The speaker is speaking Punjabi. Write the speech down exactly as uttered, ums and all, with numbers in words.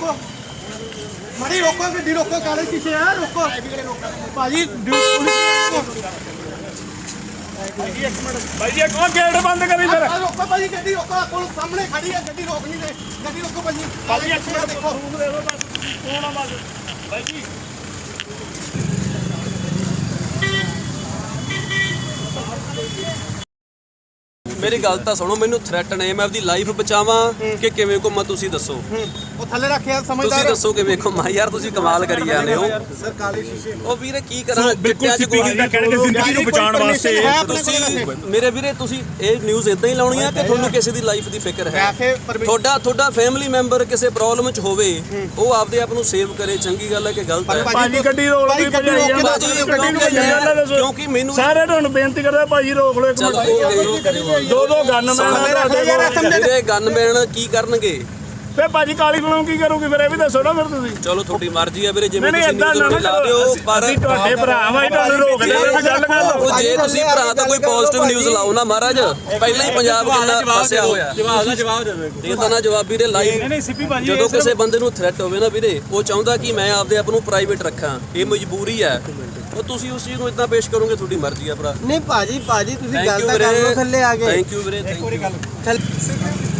रोको मड़ी रोको गड्डी रोको काले शीशे है रोको भाजी पुलिस भाई जी कौन गेट बंद करी फिर रोको भाजी गड्डी रोको पुलिस सामने खड़ी है गड्डी रोक नहीं दे गड्डी रोको भाजी भाई एक मिनट देखो रूम दे दो बस कौन आ बस भाई जी मेरी गल तो सुनो मैनू थ्रैट ने मैं अपनी लाइफ बचावां कि किवें घुम्मां तुसीं दसो ਉਹ ਥੱਲੇ ਰੱਖਿਆ तुसीं ਸਮਝਦਾਰ दसो किवें घुम्मां यार तुसीं कमाल करी जांदे हो ਸਰ ਕਾਲੇ ਸ਼ੀਸ਼ੇ ਉਹ ਵੀਰੇ ਕੀ ਕਰਾਂ ਬਿਲਕੁਲ ਸਿੱਧੀ ਗੱਲ ਕਹਿੰਦੇ ਜ਼ਿੰਦਗੀ ਨੂੰ ਬਚਾਉਣ ਵਾਸਤੇ ਤੁਸੀਂ ਮੇਰੇ ਵੀਰੇ ਤੁਸੀਂ ਇਹ ਨਿਊਜ਼ ਇਦਾਂ ਹੀ ਲਾਉਣੀ ਆ ਕਿ ਤੁਹਾਨੂੰ ਕਿਸੇ ਦੀ ਲਾਈਫ ਦੀ ਫਿਕਰ ਹੈ ਤੁਹਾਡਾ ਤੁਹਾਡਾ ਫੈਮਿਲੀ ਮੈਂਬਰ ਕਿਸੇ ਪ੍ਰੋਬਲਮ 'ਚ ਹੋਵੇ ਉਹ ਆਪਦੇ ਆਪ ਨੂੰ ਸੇਵ ਕਰੇ ਚੰਗੀ ਗੱਲ ਹੈ ਕਿ ਗਲਤ ਹੈ ਭਾਜੀ ਗੱਡੀ ਰੋਕ ਲਓ ਭਜਾਈ ਜਾਂਦਾ ਕਿਉਂਕਿ ਮੈਨੂੰ ਸਾਰੇ ਤੁਹਾਨੂੰ ਬੇਨਤੀ ਕਰਦਾ ਭਾਜੀ ਰੋਕ ਲਓ ਇੱਕ ਮਿੰਟ ਦੋ ਦੋ ਗਨਮੈਨ ਵੀਰੇ ਗਨਮੈਨ ਕੀ ਕਰਨਗੇ ਫੇ ਭਾਜੀ ਕਾਲੀ ਫਿਲਮ ਕੀ ਕਰੋਗੇ ਫਿਰ ਇਹ ਵੀ ਦੱਸੋ ਨਾ ਫਿਰ ਤੁਸੀਂ ਚਲੋ ਤੁਹਾਡੀ ਮਰਜ਼ੀ ਆ ਵੀਰੇ ਜਿਵੇਂ ਨਹੀਂ ਤੁਸੀਂ ਇਦਾਂ ਨਾ ਲਾ ਦਿਓ ਪਰ ਅਸੀਂ ਤੁਹਾਡੇ ਭਰਾ ਵਾਂ ਤੁਹਾਨੂੰ ਰੋਕਦੇ ਆ ਗੱਲ ਕਰ ਲਓ ਉਹ ਜੇ ਤੁਸੀਂ ਭਰਾ ਤਾਂ ਕੋਈ ਪੋਜ਼ਿਟਿਵ ਨਿਊਜ਼ ਲਾਓ ਨਾ ਮਹਾਰਾਜ ਪਹਿਲਾਂ ਹੀ ਪੰਜਾਬ ਕਿੰਨਾ ਫਸਿਆ ਹੋਇਆ ਜਵਾਬ ਦਾ ਜਵਾਬ ਦੇ ਦਿਓ ਇਹ ਤਾਂ ਨਾ ਜਵਾਬ ਵੀਰੇ ਲਾਈਵ ਜਦੋਂ ਕਿਸੇ ਬੰਦੇ ਨੂੰ ਥ੍ਰੈਟ ਹੋਵੇ ਨਾ ਵੀਰੇ ਉਹ ਚਾਹੁੰਦਾ ਕਿ ਮੈਂ ਆਪਦੇ ਆਪ ਨੂੰ ਪ੍ਰਾਈਵੇਟ ਰੱਖਾਂ ਇਹ ਮਜਬੂਰੀ ਹੈ ਉਹ ਤੁਸੀਂ ਉਸ ਚੀਜ਼ ਨੂੰ ਇਦਾਂ ਪੇਸ਼ ਕਰੋਗੇ ਤੁਹਾਡੀ ਮਰਜ਼ੀ ਆ ਭਰਾ ਨਹੀਂ ਭਾਜੀ ਭਾਜੀ ਤੁਸੀਂ ਗੱਲ ਤਾਂ ਕਰ ਲਓ ਥੱਲੇ ਆ ਗਏ ਥੈਂਕ ਯੂ ਵੀਰੇ ਥੈਂਕ ਯੂ